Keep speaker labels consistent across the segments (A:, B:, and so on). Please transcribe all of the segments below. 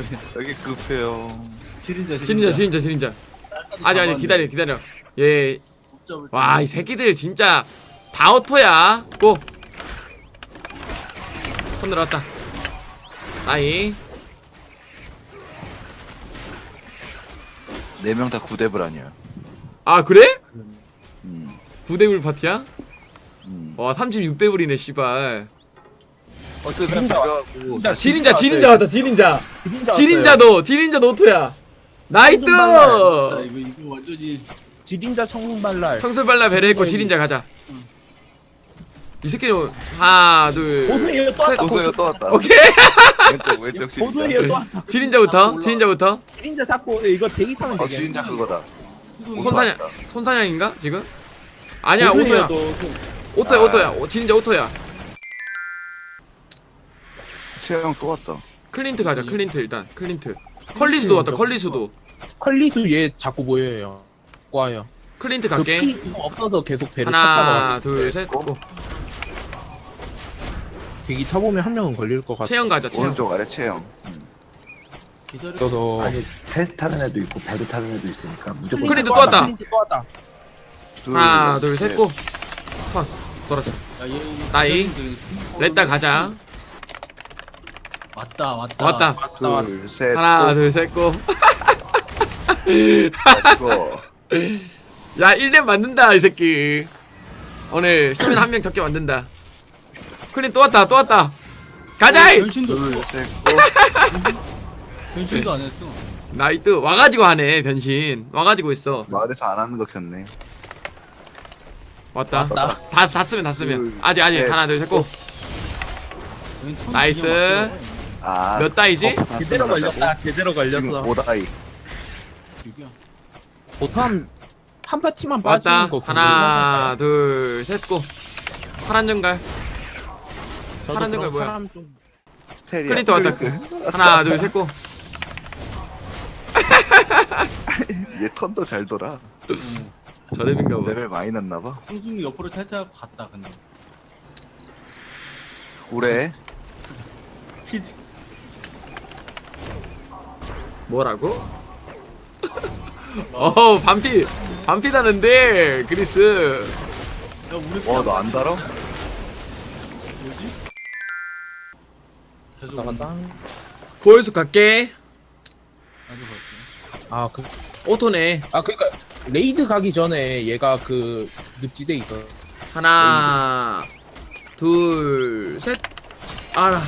A: 여기 급해요.
B: 지린자. 아직 기다려. 예. 와, 이 새끼들 진짜 다 오토야. 고. 손 들어왔다. 아이.
A: 4명 다 9렙을 아니야.
B: 아, 그래?
A: 음.
B: 9대불 파티야?
A: 음.
B: 와, 36대불이네, 씨발.
A: 어쩌다 들어가고
B: 지린자 왔다. 지린자
C: 왔어요.
B: 지린자도 오토야. 나이트!
D: 이거 완전히
C: 지린자 청발랄.
B: 청설발라 베레했고 지린자 가자. 이 새끼는 하나, 둘,
C: 보드에요 또 왔다.
A: 도서요 또 왔다.
B: 오케이.
A: 왼쪽
C: 보드에요 또
A: 진짜.
C: 왔다.
B: 지린자부터.
C: 지린자 잡고 이거 대기 타면 되게.
A: 진짜 그거다.
B: 손사냥인가 지금? 아니야, 오토야. 오토야. 지린자 오토야.
A: 채영 또 왔다.
B: 클린트 가자. 클린트 일단. 클린트. 컬리수도 왔다. 컬리수도.
C: 컬리수 얘 자꾸 보여요. 꽈요.
B: 클린트 갈게.
C: 그피 그거 없어서 계속 배를
B: 하나,
C: 탔다가
B: 둘, 셋. 고.
C: 대기 타보면 한 명은 걸릴 것 같아.
B: 채영 가자. 채영.
A: 오른쪽 아래 채영.
C: 그래서
E: 아니 텔 타는 애도 있고 배도 타는 애도 있으니까 무조건
B: 클린트 또 왔다.
C: 클린트 또 왔다.
B: 하나, 둘, 셋. 고. 턴. 돌았어. 나이. 렛다 가자. 왔다.
A: 둘, 셋.
B: 하나, 둘, 셋. 고.
A: 마시고.
B: 야, 1렙 만든다, 이 새끼. 오늘 쇼맨 한 명 적게 만든다. 클린 또 왔다. 가자!
A: 둘, 셋.
D: 변신도 안 했어.
B: 나이트 와가지고 하네, 변신. 와가지고 있어.
A: 마을에서 안 하는 거 켰네.
B: 왔다.
C: 왔다.
B: 다 쓰면.
A: 둘,
B: 아직.
A: 셋.
B: 하나, 둘, 셋, 고. 나이스.
A: 아.
B: 몇 다이지?
A: 다
C: 제대로
A: 쓰면
C: 걸렸다. 제대로
A: 지금
C: 걸렸어.
A: 5다이.
C: 보통 한 파티만 빠지는
B: 왔다.
C: 거.
B: 하나, 둘, 셋, 고. 파란 정갈. 파란 정갈 뭐야?
C: 사람 좀
A: 테리야.
B: 클린트 왔다. 하나, 둘, 셋, 고.
A: 얘 턴도 잘 돌아.
B: 저랩인가 봐.
A: 레벨 많이 났나봐.
D: 형수님 옆으로 살짝 갔다 근데.
A: 올해
D: 피드.
B: 뭐라고? 반피다는데, 그리스.
D: 야 우리
A: 와 너 안 달아?
D: 뭐지? 계속
C: 나간다.
B: 보여서 갈게.
D: 나도 봤지.
C: 아 그.
B: 오토네.
C: 그러니까 레이드 가기 전에 얘가 그 늪지대 있어.
B: 하나, 둘, 셋. 알아.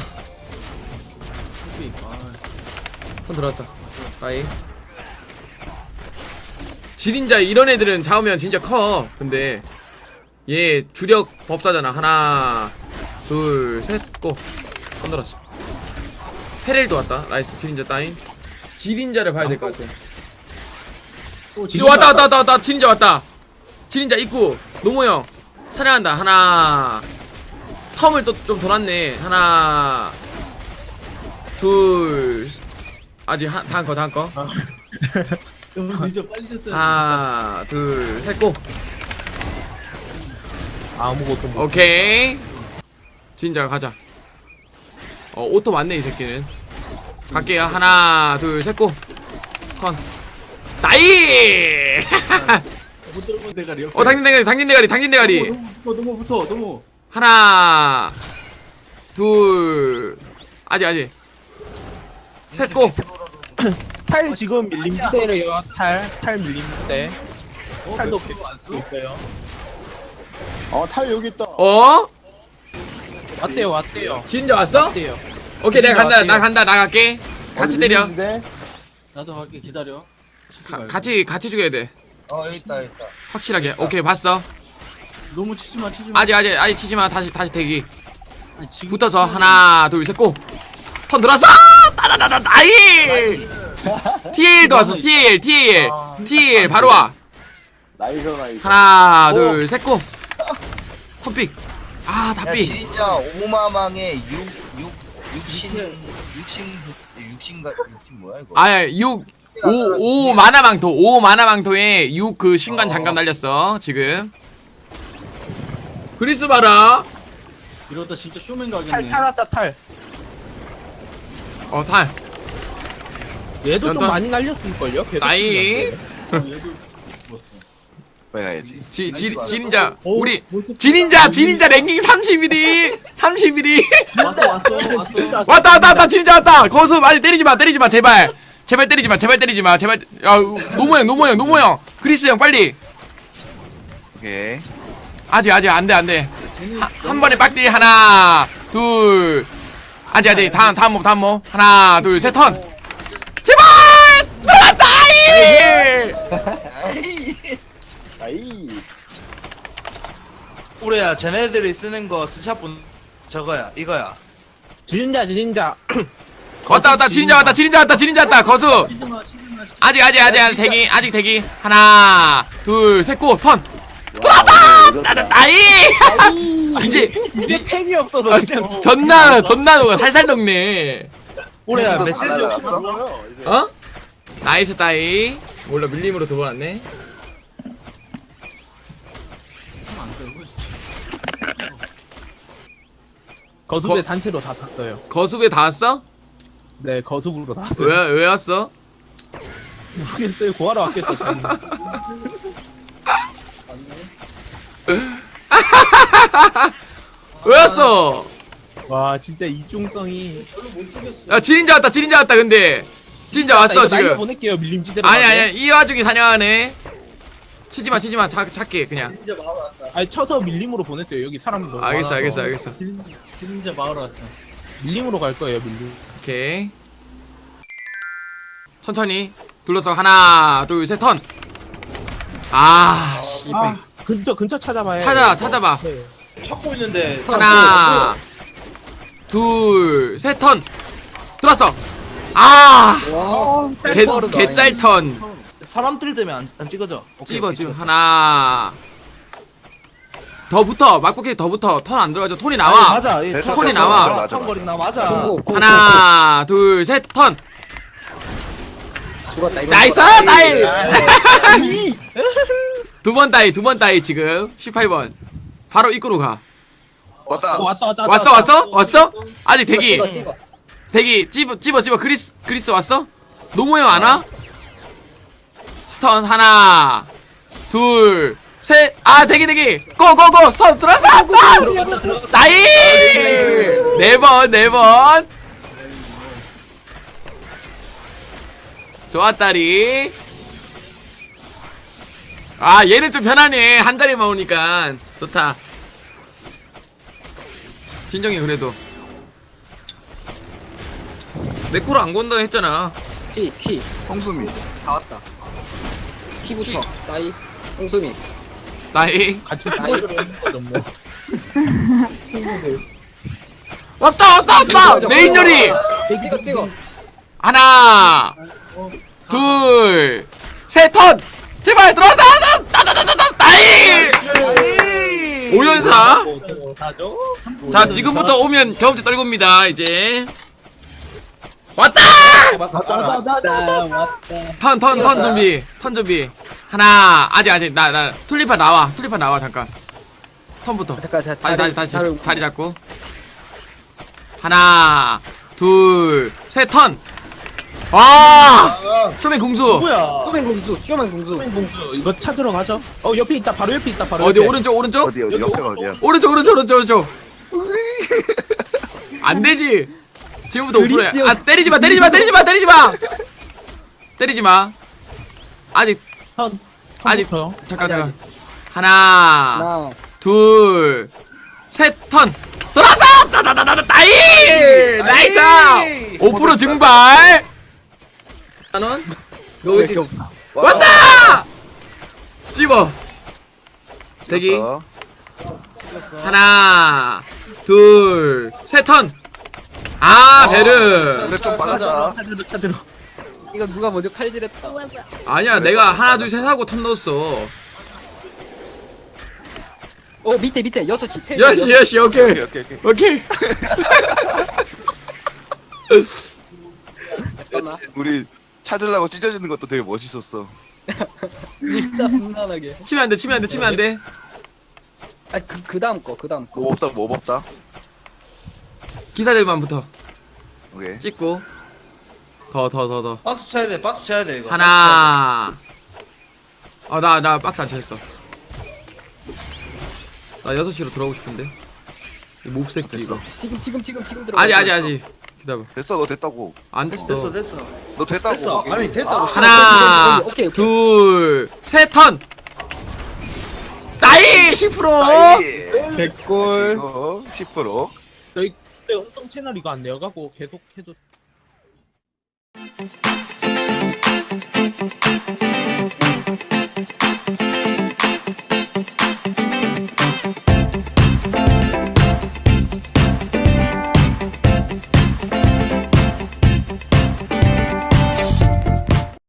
B: 손 들어왔다. 아이. 지린자 이런 애들은 잡으면 진짜 커. 근데 얘 주력 법사잖아. 하나, 둘, 셋, 고. 손 들었어. 페렐도 왔다. 나이스. 지린자 따인. 지린자를 봐야 될 것 같아. 왔다. 지린자 왔다. 지린자 입구. 노모 형 사냥한다. 하나. 텀을 또 좀 돌았네. 하나, 둘. 아직 다음 거.
D: 너무 늦어 빨리 됐어요.
B: 하나, 둘, 셋, 고.
C: 아무것도 못.
B: 오케이. 진짜 가자. 오토 맞네 이 새끼는. 갈게요. 하나, 둘, 셋, 고. 컨. 나이.
D: 못 들어본 대가리.
B: 당긴 대가리.
D: 너무 붙어.
B: 하나, 둘. 아직. 셋, 고.
C: 탈 지금 밀림지대래요. 탈 밀림지대. 탈도
D: 그거 안 써?
C: 있어요.
E: 탈 여기 있다.
C: 왔대요.
B: 진짜 왔어?
C: 왔대요.
B: 오케이, 내가 간다.
C: 왔대요.
B: 나 갈게. 같이 때려.
D: 나도 갈게 기다려.
B: 같이 죽여야 돼.
A: 여기 있다.
B: 확실하게. 오케이, 봤어.
D: 너무 치지 마.
B: 아직 치지 마. 다시 대기.
D: 아니, 지금
B: 붙어서 하나, 둘, 셋, 고. 턴 들어왔어. 따다다다 나이. TL도 왔어. TL 바로 와.
E: 나이스.
B: 하나, 둘, 셋, 고. 턴픽. 다 픽.
F: 진짜 오마망의 육신 뭐야 이거?
B: 5 마나망토에 6 그 신관 장갑 날렸어 지금. 그리스 봐라.
D: 이러다 진짜 쇼맨 가겠네.
C: 탈 왔다 탈.
B: 탈.
C: 얘도 좀
B: 연탄.
C: 많이 날렸을걸요? 계속
B: 나이.
C: 죽는데.
D: 얘도 죽었어.
A: 빼가야지.
B: 진인자
C: 오,
B: 우리
C: 모습
B: 진인자 랭킹 31위 31위
D: 왔어.
B: 왔다 진인자 왔다. 거수 아니 때리지마 제발 때리지마 제발. 야 노모 형 그리스 형 빨리.
A: 오케이.
B: 아직 안돼 한 번에 빡딜 하나 둘 아직 다음 모 하나 둘 셋 턴 제발 들어갔다.
E: 아이.
G: 우리야 쟤네들이 쓰는 거 스샷분 저거야 이거야.
C: 진인자.
B: 왔다 진인자 왔다 거수
D: 치즈마.
B: 아직 대기 하나 둘 셋 고 턴
E: 나는
B: 나이 이제
C: 템이 없어서 그냥
B: 전나노가 살살 녹네.
G: 우리야
A: 또
G: 메시지
A: 다
G: 없이
A: 날라갔어?
B: 어? 나이스 따이. 몰라 밀림으로 두 번 왔네.
D: 안 되고.
C: 거수배 단체로 다 탔어요.
B: 거수배 다 왔어?
C: 네, 거수부로 다 왔어요.
B: 왜 왔어?
C: 모르겠어요. 구하러 왔겠죠, 저는.
B: 왜 왔어?
C: 와, 진짜 이중성이.
B: 야 진인자 왔다 근데 진인자 왔어
C: 이거 날려
B: 지금.
C: 보낼게요, 밀림지대로.
B: 아니 이 와중에 사냥하네. 치지마 작게 그냥.
C: 아니, 쳐서 밀림으로 보냈어요. 여기 사람 너무
B: 알겠어
C: 많아서.
D: 진짜 마을 왔어.
C: 밀림으로 갈 거예요, 밀림.
B: 오케이. 천천히 둘러서 하나 둘 셋 턴. 씨발.
C: 근처 찾아봐요.
B: 찾아봐.
C: 네.
G: 찾고 있는데
B: 하나 둘 셋 턴 들었어. 개짤 턴.
G: 사람들 때문에 안 찍어져. 오케이,
B: 찍어
G: 오케이,
B: 지금
G: 찍었다.
B: 하나 더 붙어 막고기 더 붙어. 턴 안 들어가죠. 톤이
G: 아니,
B: 나와.
G: 맞아. 이
A: 됐어,
B: 톤이
A: 됐어,
B: 나와.
A: 맞아, 맞아.
G: 턴거리 나 맞아.
B: 하나 둘 셋 턴.
C: 죽었다. 이거
B: 나이스
C: 죽었다.
B: 따이. 두 번 따이 지금 18번 바로 입구로 가.
A: 왔다.
B: 왔어? 아직 대기 찝어 그리스 왔어? 노모형 안 와? 스턴 하나 둘 셋 대기 고고고 스턴 들어왔어. 나이 4번 좋았다리. 얘는 좀 편하네. 한 자리만 오니까 좋다. 진정이 그래도 내 코로 안 건다 했잖아.
H: 키
A: 성수미.
H: 다 왔다. 키부터 나이 홍수미
B: 나이
C: 같이 뽑아주는 거죠, 뭐.
B: 왔다 메인 요리
H: 찍어
B: 하나 둘 셋 턴 제발 들어왔다. 나이 5연사.
C: 다죠?
B: 자 지금부터 오면 경험치 떨굽니다. 이제 왔다. 턴 준비 하나 아직 나 툴리파 나와 잠깐. 턴부터
H: 잠깐
B: 다시 자리 잡고 하나 둘 셋 턴. 쇼맨 궁수
G: 뭐야?
H: 쇼맨 공수
C: 공수 이거 찾으러 가죠? 옆에 있다. 바로 옆에 있다. 바로
B: 어디
C: 옆에.
B: 오른쪽
A: 어디 옆에가 어디야?
B: 오른쪽 안 되지. 지금부터 5%야. 때리지 마. 아직
C: 턴부터.
B: 잠깐. 하나
H: 하나
B: 둘 셋 턴 들어왔어. 나이스 5% 증발.
H: 너 왜 이렇게 없어?
B: 왔다. 찝어 대기
A: 찍었어.
B: 하나 둘 셋 턴. 베르
A: 근데 좀 빨랐다.
C: 찾으러.
H: 이거 누가 먼저 칼질했다.
B: 아니야 내가 하나 둘 셋 하고 턴 넣었어.
H: 밑에 6시
B: 여시 오케이
H: 잠깐만.
A: 우리 찾으려고 찢어지는 것도 되게 멋있었어.
H: 진짜 분란하게.
B: 치면 안돼.
H: 그 다음 거.
A: 뭐 없다.
B: 기사들만부터
A: 오케이.
B: 찍고 더.
G: 박스 쳐야 돼 박스 쳐야 돼 이거.
B: 하나. 나 박스 안 쳤어. 나 6시로 들어오고 싶은데. 이 몹새끼 이거.
H: 지금 들어.
B: 아직. 기다려.
A: 됐어 너 됐다고.
B: 안
G: 됐어
B: 됐어.
G: 됐어.
A: 너 됐다고.
G: 됐어.
C: 아니 됐다고.
B: 하나,
H: 오케이.
B: 둘, 셋 턴. 나이 10%.
A: 나이.
C: 개꿀.
A: 10%.
C: 저희 그때 엄청 채널 이거 안 내어가고 계속 해도.